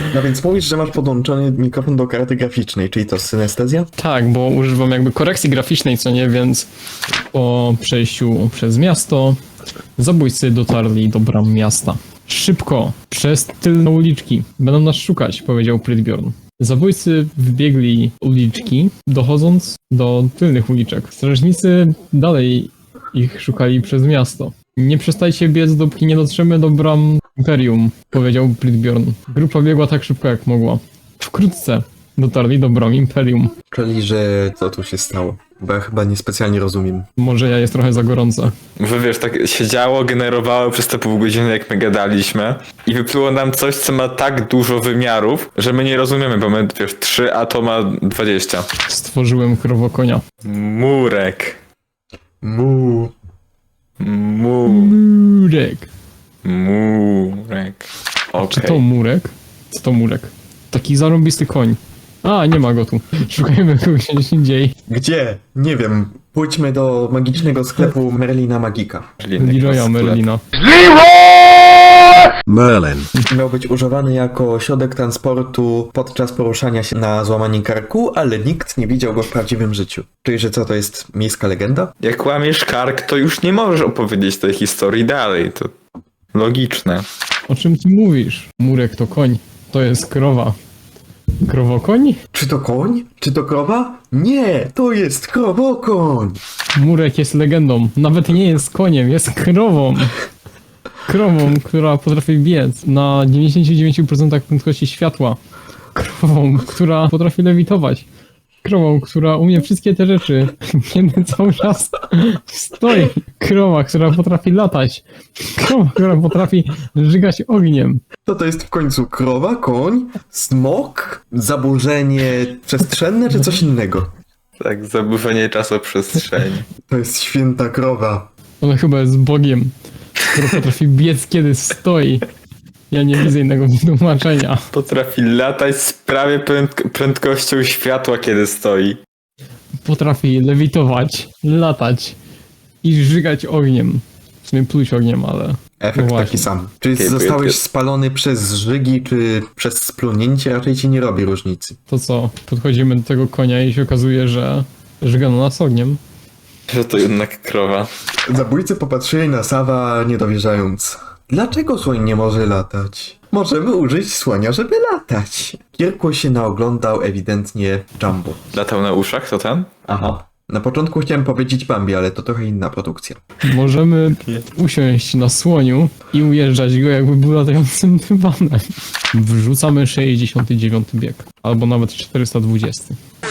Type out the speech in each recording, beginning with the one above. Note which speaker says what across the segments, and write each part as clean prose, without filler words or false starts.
Speaker 1: No więc mówisz, że masz podłączony mikrofon do karty graficznej, czyli to synestezja?
Speaker 2: Tak, bo używam jakby korekcji graficznej, co nie, więc po przejściu przez miasto zabójcy dotarli do bram miasta. Szybko, przez tylne uliczki. Będą nas szukać, powiedział Prydbjorn. Zabójcy wbiegli uliczki, dochodząc do tylnych uliczek. Strażnicy dalej ich szukali przez miasto. Nie przestajcie biec, dopóki nie dotrzemy do bram Imperium, powiedział Prydbjorn. Grupa biegła tak szybko, jak mogła. Wkrótce dotarli do bram Imperium.
Speaker 1: Czyli, że co tu się stało? Bo ja chyba niespecjalnie rozumiem.
Speaker 2: Może ja jest trochę za gorąco.
Speaker 3: Bo wiesz, tak się działo, generowało przez te pół godziny, jak my gadaliśmy i wypluło nam coś, co ma tak dużo wymiarów, że my nie rozumiemy, bo my, wiesz, 3, a to ma 20.
Speaker 2: Stworzyłem krowokonia.
Speaker 3: Murek.
Speaker 1: Mu.
Speaker 2: Murek.
Speaker 3: Murek.
Speaker 2: Czy
Speaker 3: Okej.
Speaker 2: to murek? Co to murek? Taki zarąbisty koń. A, nie ma go tu. Szukajmy kogoś gdzieś indziej.
Speaker 1: Gdzie? Nie wiem. Pójdźmy do magicznego sklepu Merlina Magika.
Speaker 2: Leroya Merlina.
Speaker 4: Merlin.
Speaker 1: Miał być używany jako środek transportu podczas poruszania się na złamanym karku, ale nikt nie widział go w prawdziwym życiu. Czyli, że co, to jest miejska legenda?
Speaker 3: Jak łamiesz kark, to już nie możesz opowiedzieć tej historii dalej. To logiczne.
Speaker 2: O czym ty mówisz? Murek to koń. To jest krowa. Krowokoń?
Speaker 1: Czy to koń? Czy to krowa? Nie, to jest krowokoń!
Speaker 2: Murek jest legendą. Nawet nie jest koniem, jest krową. Krową, która potrafi biec na 99% prędkości światła. Krową, która potrafi lewitować. Krową, która umie wszystkie te rzeczy, kiedy cały czas stoi. Krowa, która potrafi latać. Krowa, która potrafi żygać ogniem.
Speaker 1: To jest w końcu krowa, koń, smok, zaburzenie przestrzenne czy coś innego?
Speaker 3: Tak, zaburzenie czasoprzestrzeni.
Speaker 1: To jest święta krowa.
Speaker 2: Ona chyba jest Bogiem, który potrafi biec, kiedy stoi. Ja nie widzę innego wytłumaczenia.
Speaker 3: Potrafi latać z prawie prędkością światła, kiedy stoi.
Speaker 2: Potrafi lewitować, latać i żygać ogniem. W sumie pluć ogniem, ale...
Speaker 1: Efekt
Speaker 2: No
Speaker 1: taki
Speaker 2: właśnie.
Speaker 1: sam. Czy
Speaker 3: Okej,
Speaker 1: zostałeś
Speaker 3: bo-
Speaker 1: spalony przez żygi, czy przez splunięcie, raczej ci nie robi różnicy.
Speaker 2: To co? Podchodzimy do tego konia i się okazuje, że żygano nas ogniem.
Speaker 3: Że to jednak krowa.
Speaker 1: Zabójcy popatrzyli na Sawa niedowierzając. Dlaczego słoń nie może latać? Możemy użyć słonia, żeby latać. Kirku się naoglądał ewidentnie Jumbo.
Speaker 3: Latał na uszach, to ten?
Speaker 1: Aha. Na początku chciałem powiedzieć Bambi, ale to trochę inna produkcja.
Speaker 2: Możemy usiąść na słoniu i ujeżdżać go, jakby był latającym dywanem. Wrzucamy 69 bieg. Albo nawet 420.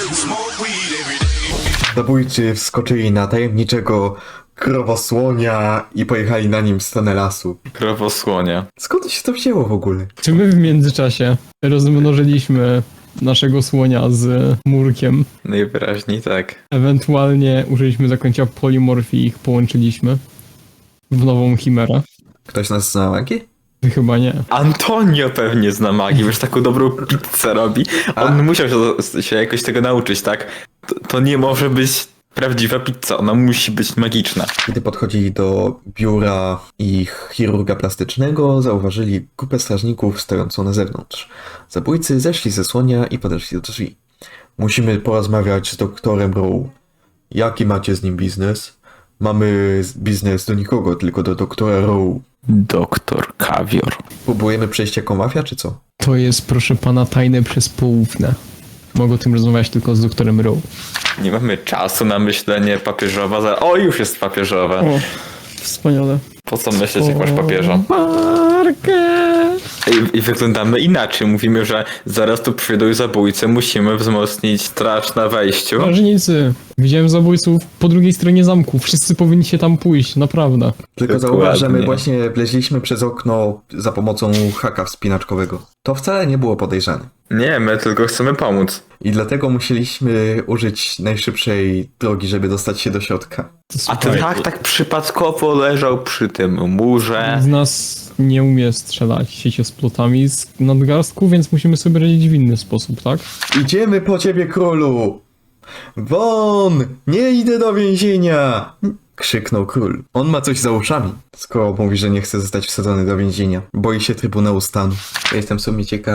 Speaker 1: Zabójcy wskoczyli na tajemniczego krowosłonia i pojechali na nim w stronę lasu.
Speaker 3: Krowosłonia.
Speaker 1: Skąd się to wzięło w ogóle?
Speaker 2: Czy my w międzyczasie rozmnożyliśmy naszego słonia z murkiem?
Speaker 3: Najwyraźniej tak.
Speaker 2: Ewentualnie użyliśmy zaklęcia polimorfii i ich połączyliśmy w nową chimerę?
Speaker 1: Ktoś nas zna magię?
Speaker 2: Chyba nie.
Speaker 3: Antonio pewnie zna magii, wiesz, taką dobrą pizzę robi. On musiał się jakoś tego nauczyć, tak? To nie może być prawdziwa pizza, ona musi być magiczna.
Speaker 1: Gdy podchodzili do biura ich chirurga plastycznego, zauważyli grupę strażników stojącą na zewnątrz. Zabójcy zeszli ze słonia i podeszli do drzwi. Musimy porozmawiać z doktorem Rowe. Jaki macie z nim biznes? Mamy biznes do nikogo, tylko do doktora Rowe.
Speaker 3: Doktor Kawior.
Speaker 1: Próbujemy przejść jako mafia, czy co?
Speaker 2: To jest, proszę pana, tajne przez poufne. Mogę o tym rozmawiać tylko z doktorem Rowe.
Speaker 3: Nie mamy czasu na myślenie papieżowa. O, już jest papieżowa.
Speaker 2: O, wspaniale.
Speaker 3: Po co myśleć, jak masz papieża?
Speaker 2: Markę!
Speaker 3: I wyglądamy inaczej. Mówimy, że zaraz tu przyjdą zabójcy, musimy wzmocnić straż na wejściu.
Speaker 2: Strażnicy! Widziałem zabójców po drugiej stronie zamku. Wszyscy powinni się tam pójść, naprawdę.
Speaker 1: Tylko
Speaker 3: Dokładnie.
Speaker 1: zauważ, że my właśnie wleźliśmy przez okno za pomocą haka wspinaczkowego. To wcale nie było podejrzane.
Speaker 3: Nie, my tylko chcemy pomóc.
Speaker 1: I dlatego musieliśmy użyć najszybszej drogi, żeby dostać się do środka.
Speaker 3: A ten hak tak przypadkowo leżał przy tym murze.
Speaker 2: Z nas nie umie strzelać sieciosplotami z nadgarstku, więc musimy sobie radzić w inny sposób, tak?
Speaker 1: Idziemy po ciebie, królu! Won! Nie idę do więzienia! Krzyknął król. On ma coś za uszami, skoro mówi, że nie chce zostać wsadzony do więzienia. Boi się Trybunału Stanu. Ja jestem w sumie ciekaw,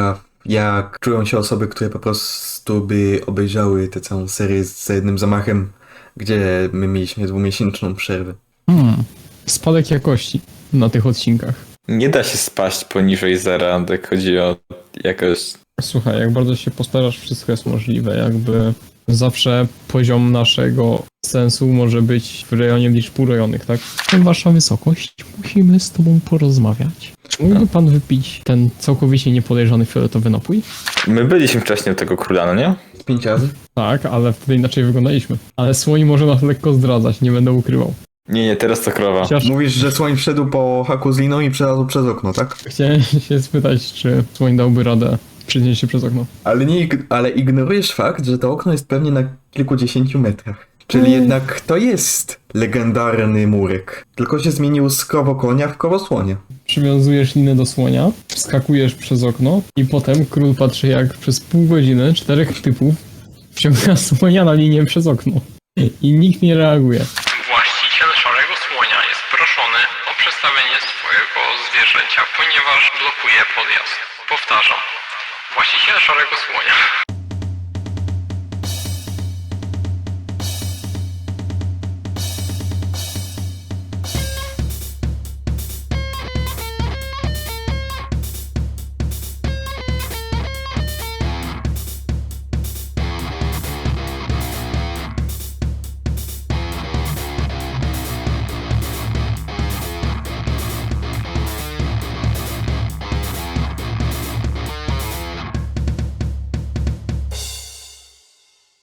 Speaker 1: Jak czują się osoby, które po prostu by obejrzały tę całą serię za jednym zamachem, gdzie my mieliśmy 2-miesięczną przerwę.
Speaker 2: Spadek jakości na tych odcinkach.
Speaker 3: Nie da się spaść poniżej zera, jak chodzi o jakość.
Speaker 2: Słuchaj, jak bardzo się postarasz, wszystko jest możliwe. Jakby zawsze poziom naszego sensu może być w rejonie liczb urojonych, tak? Wasza wysokość, musimy z tobą porozmawiać. Czy mógłby pan wypić ten całkowicie niepodejrzany fioletowy napój?
Speaker 3: My byliśmy wcześniej u tego króla, no nie?
Speaker 1: 5 razy?
Speaker 2: Tak, ale wtedy inaczej wyglądaliśmy. Ale słoń może nas lekko zdradzać, nie będę ukrywał.
Speaker 3: Nie, teraz to krowa.
Speaker 2: Chociaż
Speaker 1: Mówisz, że słoń wszedł po haku z liną i przelazł przez okno, tak?
Speaker 2: chciałem się spytać, czy słoń dałby radę przynieść się przez okno.
Speaker 1: Ale ignorujesz fakt, że to okno jest pewnie na kilkudziesięciu metrach. Czyli jednak to jest legendarny murek. Tylko się zmienił z krowokonia w krowosłonia.
Speaker 2: Przywiązujesz linę do słonia, wskakujesz przez okno i potem król patrzy, jak przez pół godziny 4 typów wciąga słonia na linię przez okno. I nikt nie reaguje.
Speaker 4: Właściciel Szarego Słonia jest proszony o przedstawienie swojego zwierzęcia, ponieważ blokuje podjazd. Powtarzam. Właściciel Szarego Słonia